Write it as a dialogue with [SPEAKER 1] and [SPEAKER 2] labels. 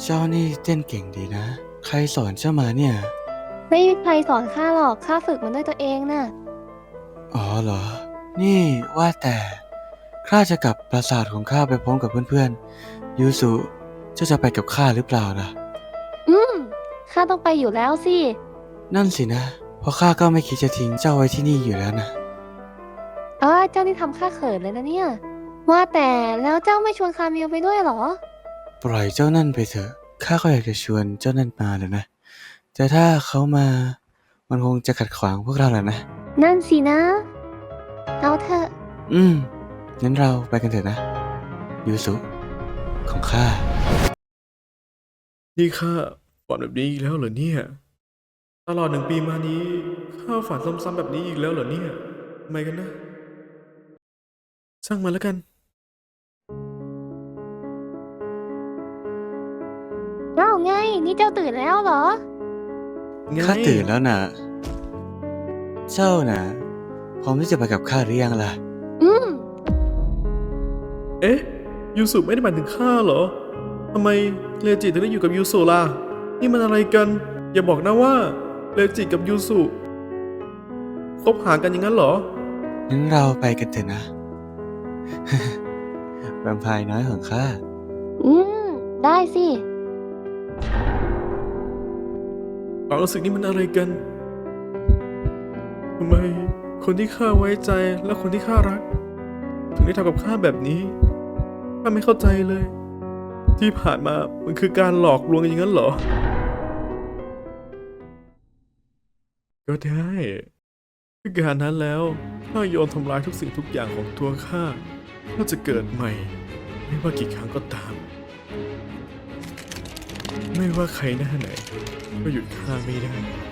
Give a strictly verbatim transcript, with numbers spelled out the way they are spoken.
[SPEAKER 1] เจ้านี่เต้นเก่งดีนะใครสอนเจ้ามาเนี่ย
[SPEAKER 2] ไม่มีใครสอนข้าหรอกข้าฝึกมันด้วยตัวเองน่ะ
[SPEAKER 1] อ๋อเหรอนี่ว่าแต่ข้าจะกลับปราสาทของข้าไปพร้อมกับเพื่อนๆยูสุเจ้าจะไปกับข้าหรือเปล่าล่ะ
[SPEAKER 2] อืมข้าต้องไปอยู่แล้วสิ
[SPEAKER 1] นั่นสินะเพราะข้าก็ไม่คิดจะทิ้งเจ้าไว้ที่นี่อยู่แล้วนะ
[SPEAKER 2] เออเจ้านี่ทำข้าเขินเลยนะเนี่ยว่าแต่แล้วเจ้าไม่ชวนคาเมลไปด้วยเหรอ
[SPEAKER 1] ปล่อยเจ้านั่นไปเถอะข้าก็อยากจะชวนเจ้านั่นมาเลยนะแต่ถ้าเขามามันคงจะขัดขวางพวกเราแหละนะ
[SPEAKER 2] นั่นสินะเอาเถอะ
[SPEAKER 1] อืมงั้นเราไปกันเถอะนะยูสุของข้า
[SPEAKER 3] นี่ข้าฝันแบบนี้อีกแล้วเหรอเนี่ยตลอดหนึ่งปีมานี้ข้าฝันซ้ำๆแบบนี้อีกแล้วเหรอเนี่ยทำไมกันนะช่างมันแล้วกัน
[SPEAKER 2] เอ้าไงนี่เจ้าตื่นแล้วเหรอ
[SPEAKER 3] ไง
[SPEAKER 1] ข้าตื่นแล้วนะเจ้านะพร้อมที่จะไปกับข้าหรือยังล่ะ
[SPEAKER 2] อืม
[SPEAKER 3] เอ๊ะยูสุไม่ได้หมายถึงข้าเหรอทำไมเลจิถึงได้อยู่กับยูสุล่ะนี่มันอะไรกันอย่าบอกนะว่าเลจิกับยูสุคบหากันอย่างนั้นเหรอ
[SPEAKER 1] งั้นเราไปกันเถอะนะ แวมไพร์น้อยของข้า
[SPEAKER 2] อืมได้สิ
[SPEAKER 3] ความรู้สึกนี้มันอะไรกันทำไมคนที่ข้าไว้ใจและคนที่ข้ารักถึงได้ทำกับข้าแบบนี้ข้าไม่เข้าใจเลย ที่ผ่านมามันคือการหลอกลวงอย่างนั้นเหรอ ก็ได้ด้วยการนั้นแล้วข้าโยนทำลายทุกสิ่งทุกอย่างของตัวข้าข้าจะเกิดใหม่ ไม่ว่ากี่ครั้งก็ตาม ไม่ว่าใครหน้าไหนก็หยุดข้าไม่ได้